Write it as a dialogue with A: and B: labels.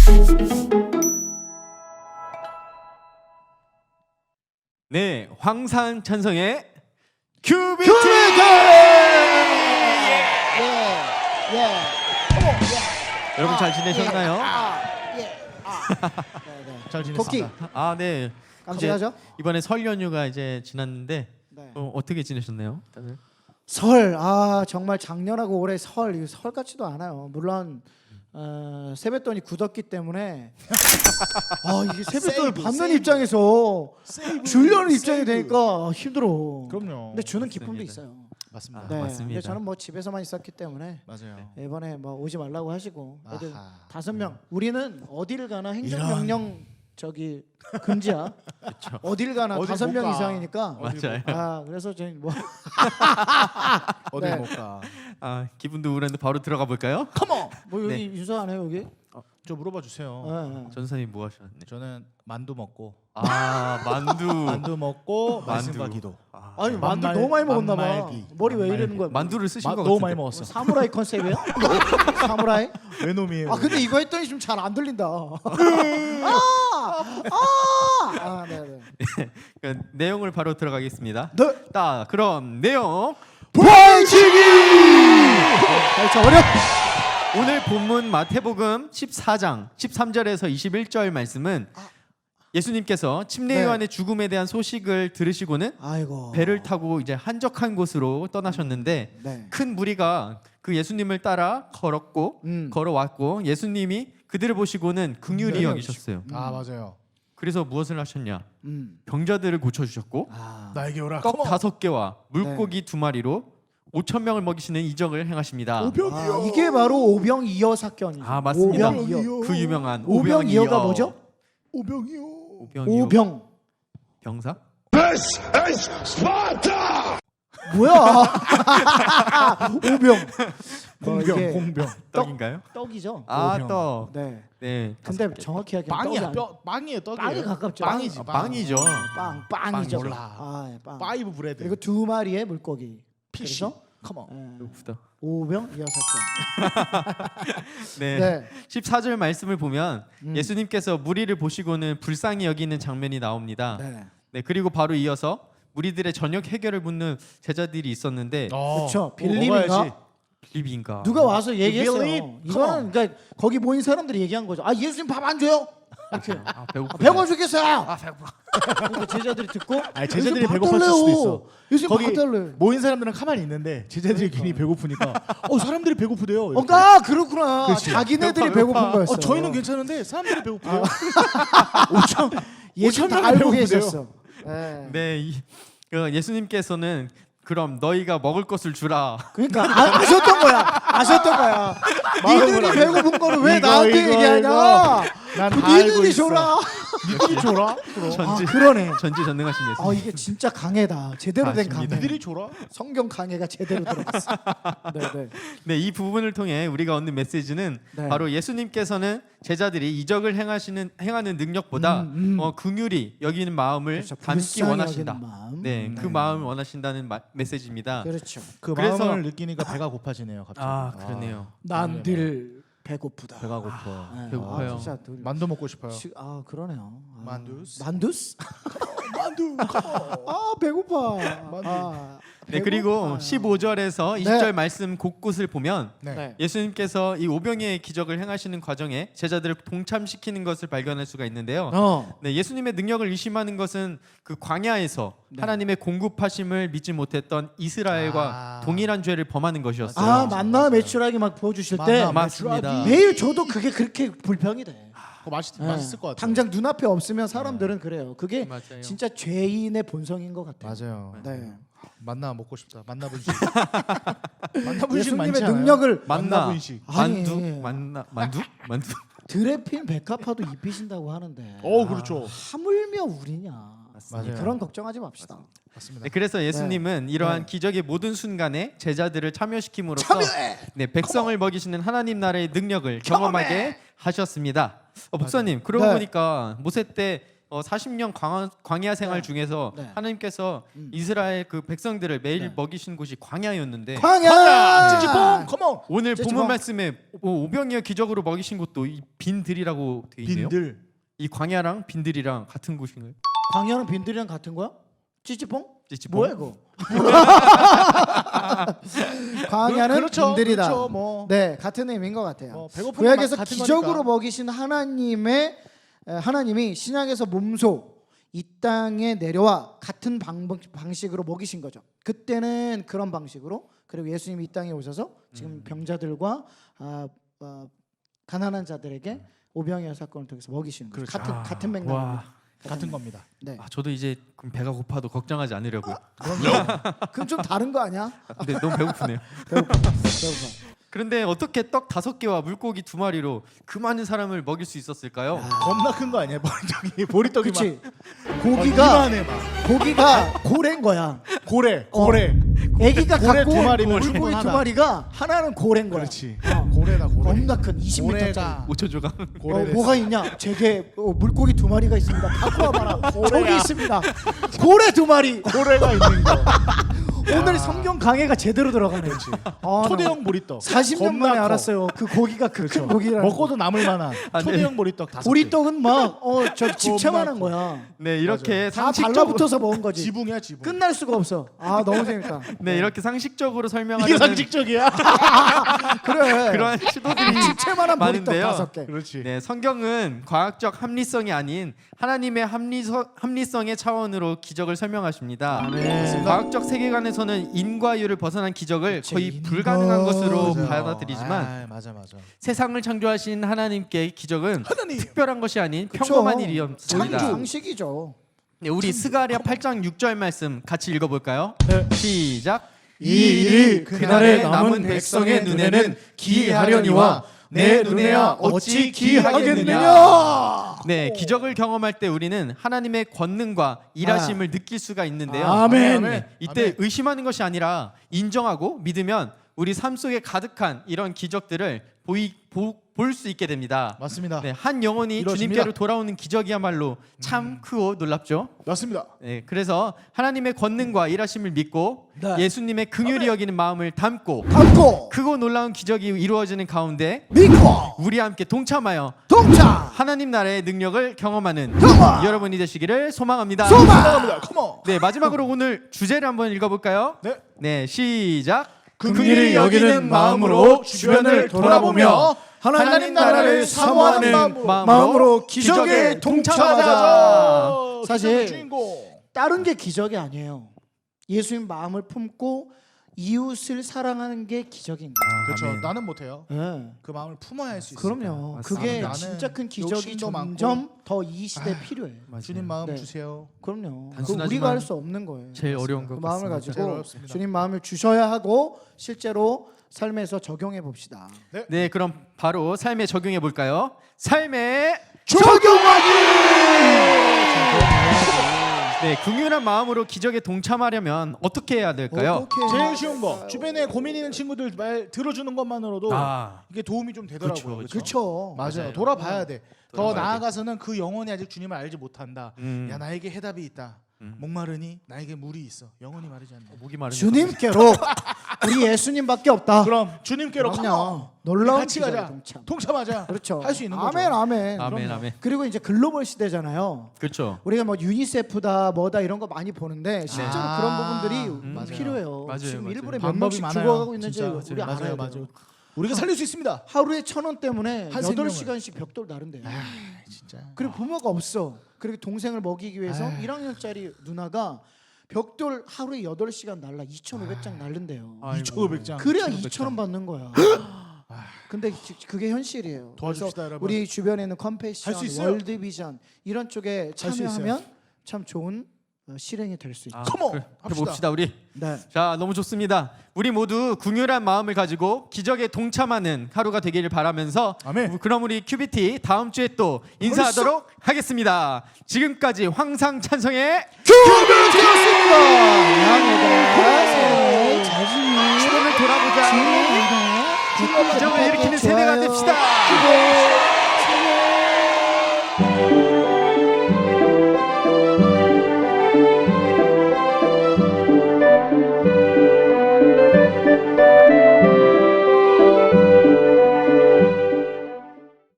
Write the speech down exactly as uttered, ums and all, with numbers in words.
A: 네, 황산찬성의 큐비티!
B: 큐비티! 예, 예. 어머, 예.
A: 여러분
B: 아,
A: 잘 지내셨나요?
B: 예, 아, 예. 아. 네, 네.
C: 잘
B: 토끼
C: 지냈습니다.
A: 아, 네.
B: 깜찍하죠?
A: 이제 이번에 설 연휴가 이제 지났는데
B: 네.
A: 어, 어떻게 지내셨나요? 다들?
B: 설, 아 정말 작년하고 올해 설, 이거 설 같지도 않아요. 물론 어, 세뱃돈이 굳었기 때문에 아 이게 세뱃돈을
C: 세이브,
B: 받는
C: 세이브.
B: 입장에서
C: 세이브,
B: 주려는 입장이
C: 세이브.
B: 되니까 힘들어.
C: 그럼요.
B: 근데 주는 기쁨도
A: 맞습니다.
B: 있어요.
C: 맞습니다.
A: 아,
B: 네.
A: 맞습니다.
B: 근데 저는 뭐 집에서만 있었기 때문에
C: 맞아요.
B: 이번에 뭐 오지 말라고 하시고 어디
C: 아하.
B: 다섯 명. 우리는 어디를 가나 행정명령 저기 금지야. 어딜 가나
C: 어딜
B: 다섯
C: 못
B: 명
C: 가.
B: 이상이니까.
A: 맞아요.
B: 아 그래서 저희 뭐
C: 어디
B: 네.
C: 못 가.
A: 아, 기분도 우울한데 바로 들어가 볼까요?
B: 컴온. 뭐 여기
A: 네.
B: 윤서 안 해요 여기?
C: 저 물어봐 주세요.
B: 네, 네.
A: 전사님 뭐 하셨네?
C: 저는 만두 먹고
A: 아, 만두.
C: 만두 먹고 말씀과
A: 만두.
C: 기도.
A: 아,
B: 아니 만두
C: 만말-
B: 너무 많이 먹었나 봐.
C: 만말기.
B: 머리 왜 이러는
C: 만말기.
B: 거야?
A: 만두를 쓰신
C: 마,
A: 거
C: 너무
A: 같은데.
C: 많이
B: 뭐
C: 먹었어.
B: 사무라이 컨셉이야? 사무라이?
C: 외놈이에요.
B: 아 근데 이거 했더니 좀 잘 안 들린다. 아, 아, 아, 네, 네.
A: 그 내용을 바로 들어가겠습니다.
B: 네.
A: 자, 그럼 내용.
B: 부활치기. 자 어려.
A: 오늘 본문 마태복음 십사 장 십삼 절에서 이십일 절 말씀은 예수님께서 침례
B: 네.
A: 요한의 죽음에 대한 소식을 들으시고는
B: 아이고.
A: 배를 타고 이제 한적한 곳으로 떠나셨는데
B: 네.
A: 큰 무리가 그 예수님을 따라 걸었고
B: 음.
A: 걸어왔고 예수님이 그들을 보시고는 긍휼히
B: 네.
A: 여기셨어요.
C: 아 맞아요.
A: 그래서 무엇을 하셨냐?
B: 음.
A: 병자들을 고쳐 주셨고
B: 아.
C: 나에게 오라.
A: 떡 다섯 개와
B: 네.
A: 물고기 두 마리로 오천 명을 먹이시는 이적을 행하시니다.
B: 아, 이게 바로 오병이어 사건이죠.
A: 아, 맞습니다.
B: 오병이어.
A: 그 유명한
B: 오병이어가
A: 오병이어.
B: 뭐죠?
C: 오병이요.
A: 오병이어.
B: 오병.
A: 병사?
B: 뭐야? 오병. 뭐
C: 공병,
B: 이게
C: 공병.
A: 떡인가요?
B: 떡이죠.
A: 아,
C: 오병.
A: 떡.
B: 네.
A: 네.
B: 근데 정확히 하기엔 떡이
C: 빵이야.
B: 아니-
C: 뼈 빵이에요. 떡이에요.
B: 빵이 가깝죠.
C: 빵이지.
A: 아, 빵이죠.
B: 빵, 빵이죠.
C: 빵 몰라.
B: 아, 예, 빵.
C: 파이브 브레드.
B: 그리고 두 마리의 물고기.
C: 피쉬.
B: 그래서
C: 컴온.
B: 예,
A: 배고프다.
B: 오병이어 사건.
A: 네.
B: 네.
A: 십사 절 말씀을 보면
B: 음.
A: 예수님께서 무리를 보시고는 불쌍히 여기는 장면이 나옵니다.
B: 네.
A: 네. 그리고 바로 이어서 무리들의 저녁 해결을 묻는 제자들이 있었는데
C: 어.
B: 그렇죠.
C: 뭐
B: 빌립인가?
C: 먹어야지.
A: 빌립인가?
B: 누가 와서 얘기했어요.
C: believe?
B: 이거는 그러니까 거기 모인 사람들이 얘기한 거죠. 아 예수님 밥 안 줘요? 이렇게.
A: 아,
B: 아,
A: 배고프다.
B: 배고파 죽겠어요.
A: 아, 배고파.
B: 그러니까 제자들이 듣고
C: 아니 제자들이
B: 예수님 밥
C: 배고팠을
B: 달래요.
C: 수도 있어.
B: 예수님
C: 거기
B: 밥 달래.
C: 모인 사람들은 가만히 있는데 제자들이 괜히 배고프니까 어 사람들이 배고프대요.
B: 어,
C: 이렇게.
B: 아 그렇구나.
C: 그렇지.
B: 자기네들이
A: 배고파,
B: 배고픈
A: 배고파.
B: 거였어.
C: 어 저희는 괜찮은데 사람들이 배고프대요. 오천
B: 예수
C: 오천
B: 다
C: 명이
B: 알고
C: 배고프대요.
B: 계셨어. 네.
A: 네. 이, 그 예수님께서는 그럼 너희가 먹을 것을 주라.
B: 그러니까 아, 아셨던 거야. 아셨던 거야. 니들이 배고픈 거를 왜
C: 이거,
B: 나한테
C: 이거,
B: 얘기하냐?
C: 이거. 난다 알고
B: 니들이
C: 있어.
B: 줘라.
C: 니들이 줘라. 그럼.
A: 전지
B: 아, 그러네.
A: 전지전능하신 예수님.
B: 아 이게 진짜 강해다. 제대로 된
A: 맞습니다.
B: 강해.
C: 니들이 줘라.
B: 성경 강해가 제대로 들어갔어. 네, 네.
A: 네, 이 부분을 통해 우리가 얻는 메시지는
B: 네.
A: 바로 예수님께서는 제자들이 이적을 행하시는 행하는 능력보다
B: 음, 음.
A: 어, 긍휼히 여기는 마음을
B: 그렇죠.
A: 담기
B: 불쌍히
A: 원하신다.
B: 여기는 마음.
A: 네,
B: 음.
A: 그 마음을 원하신다는 마, 메시지입니다.
B: 그렇죠.
C: 그
A: 그래서-
C: 마음을 느끼니까 배가 고파지네요. 갑자기.
A: 아, 그러네요.
B: 난 늘 배고프다.
C: 배가 고파.
B: 네.
A: 배고파요.
B: 아, 진짜 늘-
C: 만두 먹고 싶어요.
B: 시- 아 그러네요. 아,
C: 만두스?
B: 만두스?
C: 만두.
B: 아 배고파. 아,
A: 네, 그리고
B: 배고파요.
A: 십오 절에서 이십 절 말씀 곳곳을 보면
C: 네.
B: 네.
A: 예수님께서 이 오병이의 기적을 행하시는 과정에 제자들을 동참시키는 것을 발견할 수가 있는데요.
B: 어.
A: 네, 예수님의 능력을 의심하는 것은 그 광야에서
B: 네.
A: 하나님의 공급하심을 믿지 못했던 이스라엘과
C: 아.
A: 동일한 죄를 범하는 것이었어요.
B: 아 만나 매출하기 막 보여주실 때
C: 만나
A: 맞습니다.
B: 매일 저도 그게 그렇게 불평이 돼.
C: 그거 맛있
B: 네.
C: 맛있을 것 같아요.
B: 당장 눈앞에 없으면 사람들은 그래요. 그게
A: 맞아요.
B: 진짜 죄인의 본성인 것 같아요.
C: 맞아요.
B: 네.
C: 만나 먹고 싶다. 만나 분식. 만나 분식 많지
B: 예수님의
C: 않아요?
B: 능력을
A: 만나
C: 만나 분식.
B: 아니.
A: 만두 만나 만두 만두
B: 드레핀 백합화도 입히신다고 하는데
C: 어 그렇죠.
B: 하물며 우리냐.
C: 맞아요.
B: 그런 걱정하지 맙시다.
C: 맞습니다.
A: 네, 그래서 예수님은 이러한
B: 네.
A: 기적의 모든 순간에 제자들을 참여시킴으로써 네, 백성을 먹이시는 하나님 나라의 능력을 경험하게 하셨습니다. 어, 목사님 그러고
B: 네.
A: 보니까 모세 때 어, 사십 년 광야, 광야 생활
B: 네.
A: 중에서
B: 네.
A: 하나님께서
B: 음.
A: 이스라엘 그 백성들을 매일
B: 네.
A: 먹이신 곳이 광야였는데
B: 광야
C: 찌찌뽕 컴온.
A: 오늘
B: 찌찌뽕.
A: 본문 말씀에 오- 오병이어 기적으로 먹이신 곳도 이 빈들이라고 돼 있네요.
C: 빈들.
A: 이 광야랑 빈들이랑 같은 곳인가요?
B: 광야는 빈들이랑 같은 거야? 찌찌뽕?
A: 찌찌뽕?
B: 뭐야 이거? 광야는
C: 그렇죠,
B: 빈들이다.
C: 그렇죠, 뭐.
B: 네, 같은 의미인 것 같아요.
C: 뭐 배고픈
B: 구약에서
C: 같은
B: 기적으로
C: 거니까.
B: 먹이신 하나님의 에, 하나님이 신약에서 몸소 이 땅에 내려와 같은 방, 방식으로 먹이신 거죠. 그때는 그런 방식으로 그리고 예수님이 이 땅에 오셔서 지금
A: 음.
B: 병자들과 아, 아, 가난한 자들에게 오병이어 사건을 통해서 먹이시는 거죠.
C: 그렇죠.
B: 같은
A: 아,
B: 같은
A: 와.
B: 맥락입니다.
C: 같은 겁니다.
B: 네.
A: 아, 저도 이제 그럼 배가 고파도 걱정하지 않으려고요.
B: 그럼 좀 다른 거 아니야?
A: 아, 근데 너무 배고프네요.
B: 배고파. 배고파.
A: 그런데 어떻게 떡 다섯 개와 물고기 두 마리로 그 많은 사람을 먹일 수 있었을까요?
C: 겁나 큰 거 아니야? 저기 보리떡이 막.
B: 그렇지.
C: 어,
B: 고기가
C: 이만해 막.
B: 고기가 고래인 거야.
C: 고래,
B: 어.
C: 고래.
B: 애기가
C: 고래
B: 갖고
C: 두
B: 온
C: 마리면
B: 물고기 두
C: 충분하다.
B: 마리가 하나는 고래인 거야.
C: 그렇지.
B: 어.
C: 고래다 고래.
B: 겁나 큰 이십 미터짜리.
C: 고래가
A: 오 초 조각.
B: 어,
C: 고래.
B: 뭐가 있냐? 제게 어, 물고기 두 마리가 있습니다. 갖고 와봐라.
C: 고래야.
B: 저기 있습니다. 고래 두 마리.
C: 고래가 있는 거.
B: 오늘 성경 강해가 제대로 들어가네. 아,
C: 초대형 보리떡.
B: 사십 년
C: 겁나
B: 만에
C: 커.
B: 알았어요. 그 고기가 그 큰
C: 그렇죠.
B: 고기라는.
C: 먹고도 남을 만한
A: 아, 네.
C: 초대형 보리떡 다섯 개.
B: 보리떡은 막어저 집채만한
C: 겁나
B: 거야.
A: 네, 이렇게
B: 다
A: 상식적으로
B: 달라붙어서 먹은 거지.
C: 지붕이야 지붕.
B: 끝날 수가 없어. 아 너무 재밌다.
A: 네, 이렇게 상식적으로
C: 이게
A: 설명하려는
C: 상식적이야?
B: 그래.
A: 그러한 시도들이
B: 집채만한 보리떡
A: 많은데요.
B: 다섯 개.
C: 그렇지.
A: 네, 성경은 과학적 합리성이 아닌 하나님의 합리서, 합리성의 차원으로 기적을 설명하십니다.
B: 아멘.
A: 과학적 세계관에서는 인과율을 벗어난 기적을
B: 그치,
A: 거의
B: 인과.
A: 불가능한 것으로
C: 맞아요.
A: 받아들이지만
C: 아, 맞아 맞아.
A: 세상을 창조하신 하나님께 기적은
C: 하나님.
A: 특별한 것이 아닌
B: 그쵸.
A: 평범한 일이었습니다.
B: 창조 상식이죠.
A: 네, 우리 스가랴 팔 장 육 절 말씀 같이 읽어볼까요?
B: 네.
A: 시작.
B: 이 일이 그날에 남은 백성의 눈에는 기이하려니와 내 눈에야 어찌 기이하겠느냐.
A: 네, 기적을 경험할 때 우리는 하나님의 권능과 일하심을 느낄 수가 있는데요.
B: 아멘.
A: 네, 이때
C: 아멘.
A: 의심하는 것이 아니라 인정하고 믿으면 우리 삶 속에 가득한 이런 기적들을 보이 볼 수 있게 됩니다.
C: 맞습니다.
A: 네, 한 영혼이
C: 이루어집니다.
A: 주님께로 돌아오는 기적이야말로 참 크고 놀랍죠.
C: 맞습니다.
A: 네, 그래서 하나님의 권능과 일하심을 믿고
B: 네.
A: 예수님의 긍휼히 여기는 마음을 담고
B: 담고
A: 크고 놀라운 기적이 이루어지는 가운데
B: 믿고
A: 우리 함께 동참하여
B: 동참
A: 하나님 나라의 능력을 경험하는
B: 경험!
A: 여러분이 되시기를 소망합니다.
B: 소망!
C: 감사합니다. 컴온.
A: 네, 마지막으로 오늘 주제를 한번 읽어볼까요?
C: 네.
A: 네, 시작.
C: 긍휼히 여기는 마음으로 주변을 돌아보며 하나님 나라를 사모하는
A: 마음으로,
B: 마음으로 기적에 동참하자. 사실
C: 주인공.
B: 다른 게 기적이 아니에요. 예수님 마음을 품고 이웃을 사랑하는 게 기적인 거예요.
C: 그렇죠.
A: 아멘.
C: 나는 못해요.
B: 네.
C: 그 마음을 품어야 할 수 있어.
B: 그럼요.
A: 맞습니다.
B: 그게
C: 나는
B: 진짜 큰 기적이
C: 욕심도
B: 점점 더 이 시대에
C: 아,
B: 필요해.
A: 맞아요.
C: 주님 마음
B: 네.
C: 주세요.
B: 그럼요. 그
A: 단순하지만
B: 우리가 할 수 없는 거예요.
A: 제일 어려운
B: 그
A: 것
B: 마음을
A: 같습니다.
C: 제일
B: 가지고
C: 어렵습니다.
B: 주님 마음을 주셔야 하고 실제로 삶에서 적용해 봅시다.
A: 네, 그럼 바로 삶에 적용해 볼까요? 삶에 네, 긍휼한 마음으로 기적에 동참하려면 어떻게 해야 될까요?
B: 어떻게
C: 제일 쉬운 거. 주변에 고민 있는 친구들 말 들어주는 것만으로도
A: 아,
C: 이게 도움이 좀 되더라고요.
A: 그쵸,
C: 그쵸?
B: 그렇죠.
C: 맞아요.
A: 맞아요.
C: 돌아봐야 돼. 더
A: 돌아봐야
C: 나아가서는 그 영혼이 아직 주님을 알지 못한다.
A: 음.
C: 야 나에게 해답이 있다.
A: 음.
C: 목마르니 나에게 물이 있어. 영혼이 마르지 않는다.
A: 목이 마른
B: 주님께로 우리 예수님밖에 없다.
C: 그럼 주님께로
B: 그럼요.
C: 컴온.
B: 놀라운
C: 같이
B: 기적에
C: 가자.
B: 동참.
C: 동참하자.
B: 그렇죠.
C: 할 수 있는 거죠.
B: 아멘, 아멘.
A: 아멘,
B: 그럼요.
A: 아멘.
B: 그리고 이제 글로벌 시대잖아요.
A: 그렇죠.
B: 우리가 뭐 유니세프다 뭐다 이런 거 많이 보는데 실제로
C: 아,
B: 그런 부분들이
C: 음, 맞아요.
B: 필요해요.
A: 맞아요,
B: 지금
A: 맞아요.
B: 일본에 몇
C: 방법이
B: 명씩
C: 많아요.
B: 죽어가고 있는지
C: 진짜.
B: 우리
C: 맞아요,
B: 알아야
C: 맞아요.
B: 돼요.
C: 우리가 살릴 수 있습니다.
B: 하루에 천 원 때문에
C: 한
B: 여덟
C: 생명을.
B: 시간씩 벽돌 나른대요.
C: 아, 진짜.
B: 그리고 부모가 없어. 그리고 동생을 먹이기 위해서
C: 아유.
B: 일 학년짜리 누나가 벽돌 하루에 여덟 시간 날라 이천오백 장 날른대요.
A: 아이고.
C: 이천오백 장.
B: 그래야
A: 이천오백
B: 이천 원
A: 장.
B: 받는 거야. 근데 지- 그게 현실이에요.
C: 도와줍시다,
B: 그래서
C: 여러분.
B: 우리 주변에 있는
C: 할수
B: 컴패션,
C: 있어요.
B: 월드비전 이런 쪽에
C: 수 있어요.
B: 참여하면 참 좋은 어, 실행이 될 수 있죠.
A: 아,
C: 컴온!
A: 그래,
C: 합시다.
A: 해봅시다 우리.
B: 네.
A: 자, 너무 좋습니다. 우리 모두 긍휼한 마음을 가지고 기적에 동참하는 하루가 되기를 바라면서
C: 아멘.
A: 그럼 우리 큐비티 다음 주에 또 인사하도록 하겠습니다. 지금까지 황상 찬성의
B: 큐비티였습니다. 양해들아, 자신이
A: 주변을 돌아보자.
B: 주님입니다.
A: 기적을 일으키는 세대가 됩시다.
B: 기도.